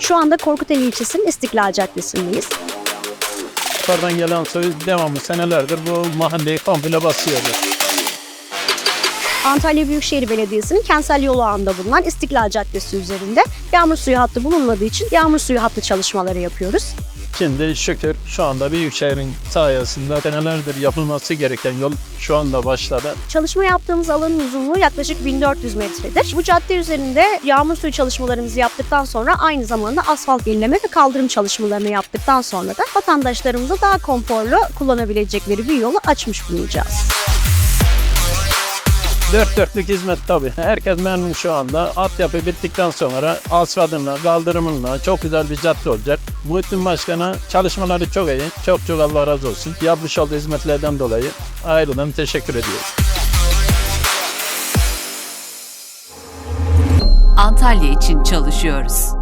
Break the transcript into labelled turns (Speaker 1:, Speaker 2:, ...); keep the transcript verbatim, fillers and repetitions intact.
Speaker 1: Şu anda Korkuteli ilçesinin İstiklal Caddesi'ndeyiz.
Speaker 2: Yukarıdan gelen suyu devamlı senelerdir bu mahalleyi komple basıyordu.
Speaker 1: Antalya Büyükşehir Belediyesi'nin kentsel yolu ağında bulunan İstiklal Caddesi üzerinde yağmur suyu hattı bulunmadığı için yağmur suyu hattı çalışmaları yapıyoruz.
Speaker 2: Şimdi şükür şu anda Büyükşehir'in sayesinde senelerdir yapılması gereken yol şu anda başladı.
Speaker 1: Çalışma yaptığımız alanın uzunluğu yaklaşık bin dört yüz metredir. Bu cadde üzerinde yağmur suyu çalışmalarımızı yaptıktan sonra aynı zamanda asfalt yenileme ve kaldırım çalışmalarını yaptıktan sonra da vatandaşlarımıza daha konforlu kullanabilecekleri bir yolu açmış bulunacağız.
Speaker 2: Dört dörtlük hizmet tabii. Herkes memnun şu anda. Altyapı bittikten sonra asfaltınla, kaldırımınla çok güzel bir cadde olacak. Muhittin Başkan'a çalışmaları çok iyi. Çok çok Allah razı olsun. Yapmış olduğu hizmetlerden dolayı ayrılan teşekkür ediyoruz.
Speaker 3: Antalya için çalışıyoruz.